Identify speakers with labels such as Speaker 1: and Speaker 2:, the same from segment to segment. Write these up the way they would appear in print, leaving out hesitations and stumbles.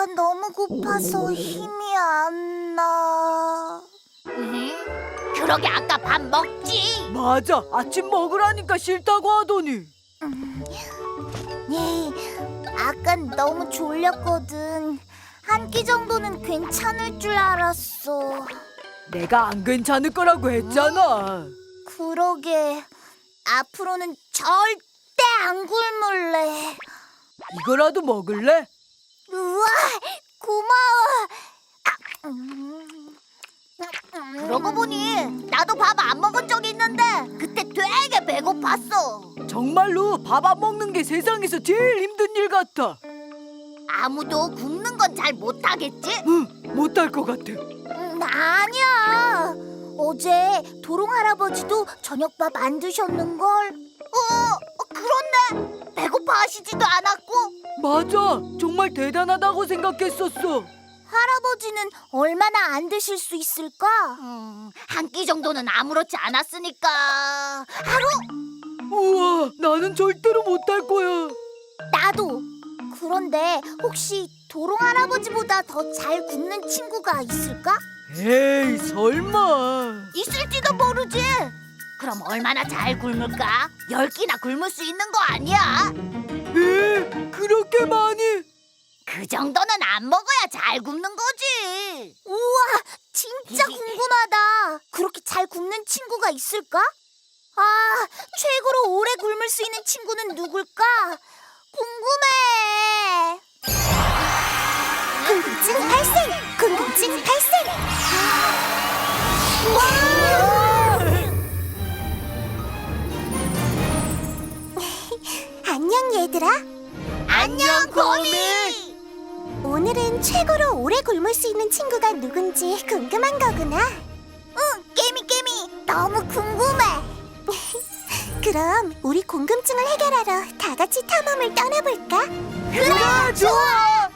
Speaker 1: 너무 고파서 힘이 안 나.
Speaker 2: 그러게 아까 밥 먹지.
Speaker 3: 맞아, 아침 먹으라니까 싫다고 하더니.
Speaker 1: 예, 아깐 너무 졸렸거든. 한 끼 정도는 괜찮을 줄 알았어.
Speaker 3: 내가 안 괜찮을 거라고 했잖아.
Speaker 1: 그러게, 앞으로는 절대 안 굶을래.
Speaker 3: 이거라도 먹을래?
Speaker 1: 우와, 고마워.
Speaker 2: 그러고 보니 나도 밥 안 먹은 적이 있는데 그때 되게 배고팠어.
Speaker 3: 정말로 밥 안 먹는 게 세상에서 제일 힘든 일 같아.
Speaker 2: 아무도 굶는 건 잘 못하겠지?
Speaker 3: 응, 못할 것 같아.
Speaker 1: 아니야. 어제 도롱 할아버지도 저녁밥 안 드셨는걸.
Speaker 2: 그렇네. 배고파하시지도 않았고.
Speaker 3: 맞아, 정말 대단하다고 생각했었어.
Speaker 1: 할아버지는 얼마나 안 드실 수 있을까?
Speaker 2: 한 끼 정도는 아무렇지 않았으니까 하루?
Speaker 3: 우와, 나는 절대로 못할 거야.
Speaker 1: 나도. 그런데 혹시 도롱 할아버지보다 더 잘 굽는 친구가 있을까?
Speaker 3: 에이, 설마.
Speaker 2: 있을지도 모르지. 그럼 얼마나 잘 굶을까? 10끼나 굶을 수 있는 거 아니야?
Speaker 3: 에? 그렇게 많이?
Speaker 2: 그 정도는 안 먹어야 잘 굶는 거지.
Speaker 1: 우와, 진짜 궁금하다. 그렇게 잘 굽는 친구가 있을까? 아, 최고로 오래 굶을 수 있는 친구는 누굴까? 궁금해. 궁금증 발생! 궁금증 발생! 안녕 얘들아.
Speaker 2: 안녕, 거미.
Speaker 1: 오늘은 최고로 오래 굶을 수 있는 친구가 누군지 궁금한 거구나. 응, 깨미 너무 궁금해. 그럼 우리 궁금증을 해결하러 다 같이 탐험을 떠나볼까?
Speaker 3: 그래, 좋아.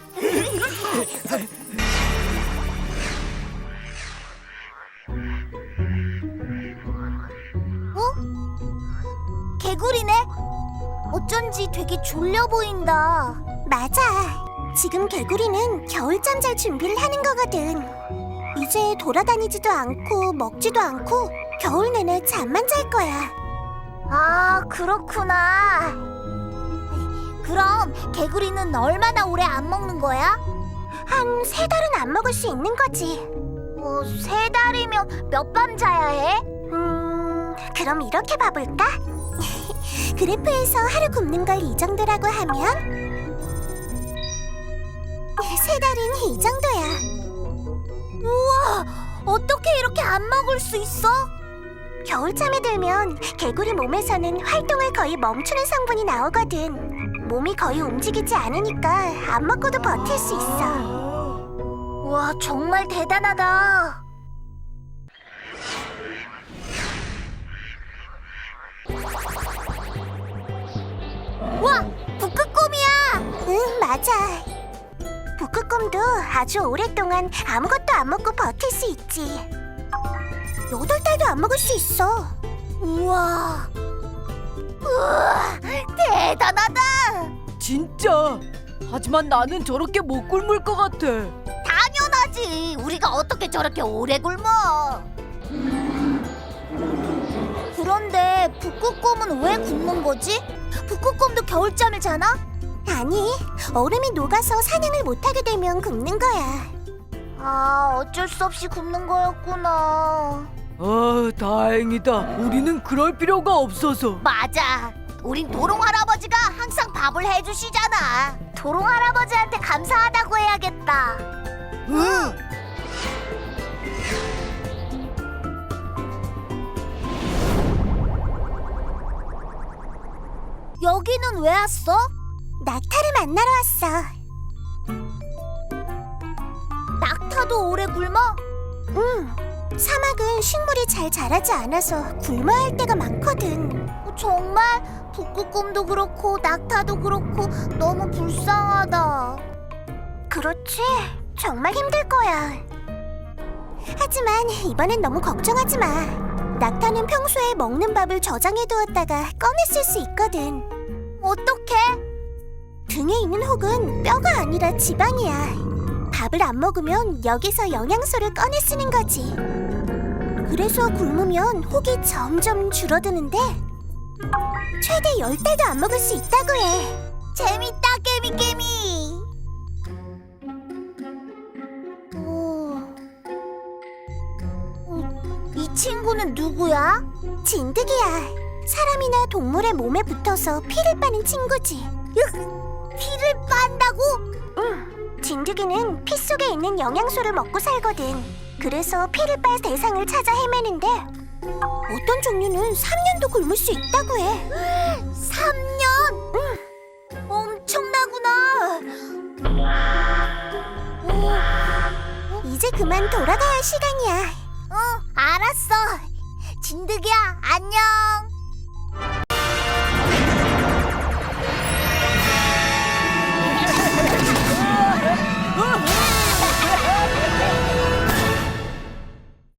Speaker 1: 개구리네? 어쩐지 되게 졸려 보인다. 맞아. 지금 개구리는 겨울잠 잘 준비를 하는 거거든. 이제 돌아다니지도 않고 먹지도 않고 겨울 내내 잠만 잘 거야. 아, 그렇구나. 그럼 개구리는 얼마나 오래 안 먹는 거야? 한 3달은 안 먹을 수 있는 거지. 3달이면 몇 밤 자야 해? 그럼 이렇게 봐볼까? 그래프에서 하루 굶는 걸 이 정도라고 하면 3달은 이 정도야. 우와, 어떻게 이렇게 안 먹을 수 있어? 겨울잠에 들면 개구리 몸에서는 활동을 거의 멈추는 성분이 나오거든. 몸이 거의 움직이지 않으니까 안 먹고도 버틸 수 있어. 와, 정말 대단하다. 와, 북극곰이야. 응, 맞아. 북극곰도 아주 오랫동안 아무것도 안 먹고 버틸 수 있지. 8달도 안 먹을 수 있어. 우와,
Speaker 2: 대단하다.
Speaker 3: 진짜. 하지만 나는 저렇게 못 굶을 것 같아.
Speaker 2: 당연하지. 우리가 어떻게 저렇게 오래 굶어?
Speaker 1: 그런데 북극곰은 왜 굶는 거지? 북극곰도 겨울잠을 자나? 아니, 얼음이 녹아서 사냥을 못하게 되면 굶는 거야. 아, 어쩔 수 없이 굶는 거였구나.
Speaker 3: 아, 다행이다. 우리는 그럴 필요가 없어서.
Speaker 2: 맞아. 우린 도롱 할아버지가 항상 밥을 해주시잖아.
Speaker 1: 도롱 할아버지한테 감사하다고 해야겠다.
Speaker 3: 응.
Speaker 1: 여기는 왜 왔어? 낙타를 만나러 왔어. 낙타도 오래 굶어? 응. 사막은 식물이 잘 자라지 않아서 굶어야 할 때가 많거든. 정말? 북극곰도 그렇고 낙타도 그렇고 너무 불쌍하다. 그렇지. 정말 힘들 거야. 하지만 이번엔 너무 걱정하지 마. 낙타는 평소에 먹는 밥을 저장해두었다가 꺼냈을 수 있거든. 어떡해? 등에 있는 혹은 뼈가 아니라 지방이야. 밥을 안 먹으면 여기서 영양소를 꺼내 쓰는 거지. 그래서 굶으면 혹이 점점 줄어드는데 최대 10달도 안 먹을 수 있다고 해.
Speaker 2: 재밌다, 깨미깨미. 이 친구는 누구야?
Speaker 1: 진드기야. 사람이나 동물의 몸에 붙어서 피를 빠는 친구지.
Speaker 2: 피를 빤다고?
Speaker 1: 응. 진드기는 피 속에 있는 영양소를 먹고 살거든. 그래서 피를 빨 대상을 찾아 헤매는데 어떤 종류는 3년도 굶을 수 있다고 해.
Speaker 2: 3년?
Speaker 1: 응.
Speaker 2: 엄청나구나.
Speaker 1: 이제 그만 돌아가야 할 시간이야.